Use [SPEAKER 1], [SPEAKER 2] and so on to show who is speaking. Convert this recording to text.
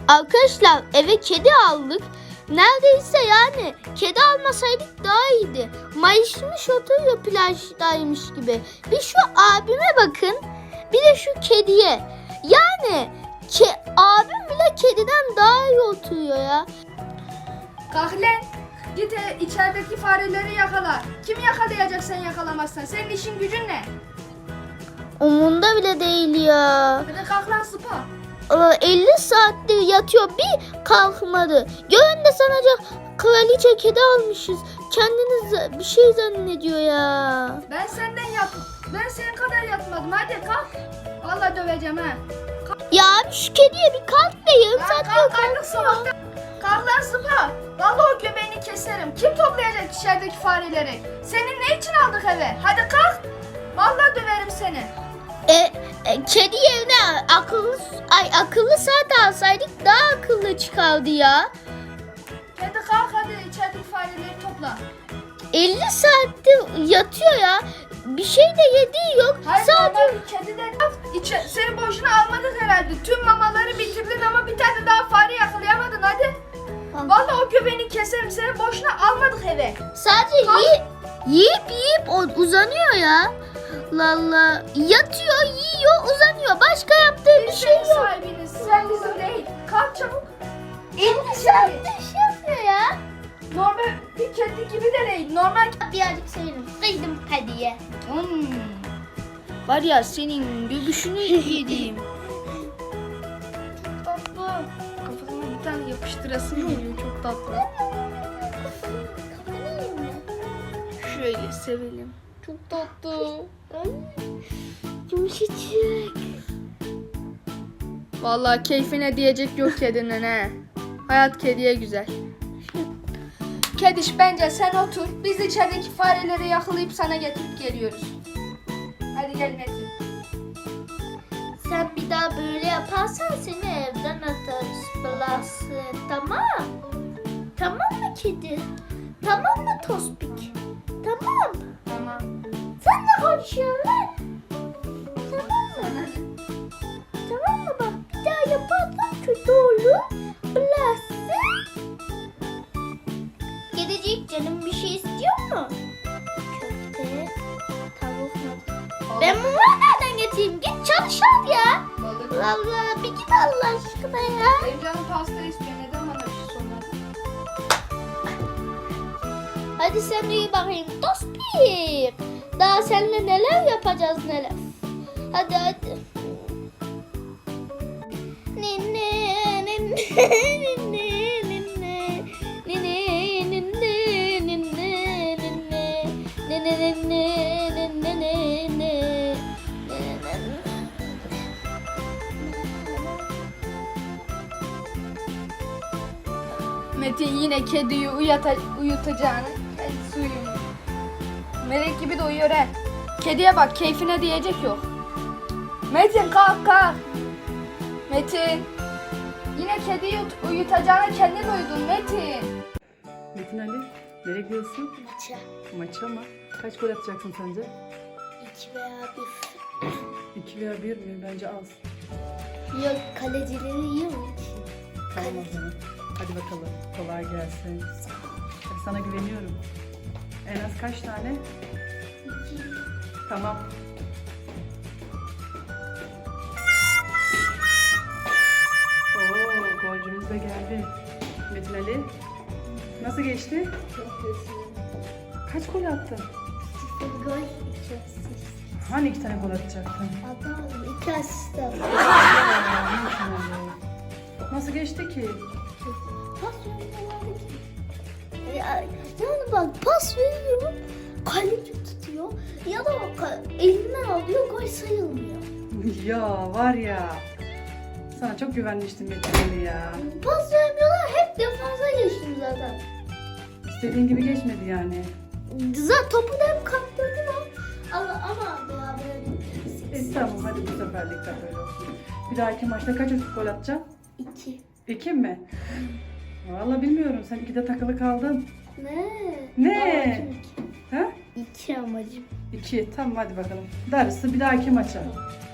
[SPEAKER 1] Arkadaşlar eve kedi aldık. Neredeyse yani kedi almasaydık daha iyiydi. Mayışmış oturuyor plajdaymış gibi. Bir şu abime bakın. Bir de şu kediye. Yani abim bile kediden daha iyi oturuyor ya.
[SPEAKER 2] Kalk lan. Git içerideki fareleri yakala. Kim yakalayacak sen yakalamazsan? Senin işin gücün ne?
[SPEAKER 1] Umunda bile değil ya.
[SPEAKER 2] Hadi kalk lan sıpa.
[SPEAKER 1] 50 saattir yatıyor, bir kalkmadı. Gören de sanacak kraliçe kedi almışız. Kendiniz bir şey zannediyor ya.
[SPEAKER 2] Ben senin kadar yatmadım. Hadi kalk. Vallahi döveceğim ha.
[SPEAKER 1] Ya abi şu kediye bir kalk be, yarım
[SPEAKER 2] Lan
[SPEAKER 1] saat
[SPEAKER 2] kalk artık
[SPEAKER 1] kalk.
[SPEAKER 2] sabahtan. Kalk lan sıpa. Vallahi o göbeğini keserim. Kim toplayacak içerideki fareleri? Senin ne için aldık eve? Hadi kalk. Vallahi döverim seni.
[SPEAKER 1] Kedi yerine akıllı saat alsaydık daha akıllı çıkardı ya.
[SPEAKER 2] Hadi kalk hadi içerideki fareleri topla.
[SPEAKER 1] 50 saattir yatıyor ya. Bir şey de yediği yok.
[SPEAKER 2] Hayır
[SPEAKER 1] Sadece
[SPEAKER 2] normal bir kediden seni boşuna almadık herhalde. Tüm mamaları bitirdin ama bir tane daha fare yakalayamadın hadi. Vallahi o göbeğini keserim, seni boşuna almadık eve.
[SPEAKER 1] sadece yiyip uzanıyor ya. Lalla yatıyor, yiyor, uzanıyor. Başka yaptığı bir şey yok.
[SPEAKER 2] Sahibiniz, sen bizim değil. Kalk çabuk.
[SPEAKER 1] 50 saattir şey yapıyor ya.
[SPEAKER 2] Normal bir kedi gibi de değil. Normal.
[SPEAKER 1] Birazcık sayırım. Kıydım hediye.
[SPEAKER 2] Var ya senin göbüşünü yediğim. Tatlı. Kafasına bir tane yapıştırasın geliyor, çok tatlı. Şöyle sevelim. Çok tatlı.
[SPEAKER 1] Yumuşacık.
[SPEAKER 2] Vallahi keyfine diyecek yok kedinin he. Hayat kediye güzel. Kediş bence sen otur. Biz içerideki fareleri yakalayıp sana getirip geliyoruz. Hadi gel Metin.
[SPEAKER 1] Sen bir daha böyle yaparsan seni evden atarız. Blası. Tamam. Tamam mı kedi? Tamam mı Tospik? Tamam.
[SPEAKER 2] Tamam.
[SPEAKER 1] Sen de konuşuyorsun lan. Tamam mı? Tamam mı bak, bir daha yaparsan kötü olur. Blası. Kedicik canım bir şey istiyor mu? Köfte, tavuk mu? Ben bunu nereden getireyim? Git çalış al ya.
[SPEAKER 2] Balık.
[SPEAKER 1] Allah bir git Allah aşkına ya.
[SPEAKER 2] Benim canım pasta istiyor. Neden bana bir şey sormadın?
[SPEAKER 1] Hadi sen uyu bakayım Tospik. Daha seninle neler yapacağız neler. Hadi hadi. Ninne ninne ninne ninne ninne ninne ninne ninne ninne ninne ninne.
[SPEAKER 2] Metin yine kediyi uyutacağını. Kendisi uyumuyor. Melek gibi de uyuyor he. Kediye bak, keyfine diyecek yok. Metin kalk kalk. Metin. Yine kediyi uyutacağına kendin uyudun Metin.
[SPEAKER 3] Metin Ali, nereye gidiyorsun?
[SPEAKER 1] Maça.
[SPEAKER 3] Maça mı? Kaç gol atacaksın sence?
[SPEAKER 1] 2 veya 1.
[SPEAKER 3] 2 veya 1 mi? Bence az.
[SPEAKER 1] Yok, kalecileri iyi mi?
[SPEAKER 3] Tamam o zaman. Hadi bakalım. Kolay gelsin. Hadi sana güveniyorum. En az kaç tane? Tamam. Oo, golcümüz de geldi. Metin Ali, nasıl geçti?
[SPEAKER 1] Çok hızlı.
[SPEAKER 3] Kaç gol attın?
[SPEAKER 1] 0 gol, 2 asist.
[SPEAKER 3] Hani 2 tane gol atacaktın?
[SPEAKER 1] Adam 2 asist aldı.
[SPEAKER 3] Aa, Metin Ali. Nasıl geçti ki?
[SPEAKER 1] Pas vermiyorlardı ki. Yani bak pas veriyor, kaleci tutuyor ya da elinden alıyor, gol sayılmıyor.
[SPEAKER 3] Ya var ya. Sana çok güvenmiştim Metin Ali ya.
[SPEAKER 1] Pas vermiyorlar, hep defansa geçtim zaten.
[SPEAKER 3] İstediğin gibi geçmedi yani.
[SPEAKER 1] Zaten topu da hep kaptırdım ama beraber bitiririz.
[SPEAKER 3] Tamam hadi bu seferlik de böyle olsun. Bir dahaki maçta kaç gol atacaksın?
[SPEAKER 1] 2.
[SPEAKER 3] 2 mi? Vallahi bilmiyorum. Sen 2'de takılı kaldın.
[SPEAKER 1] Ne?
[SPEAKER 3] Ha?
[SPEAKER 1] 2 amacım.
[SPEAKER 3] 2. Tamam hadi bakalım. Darısı bir dahaki maça.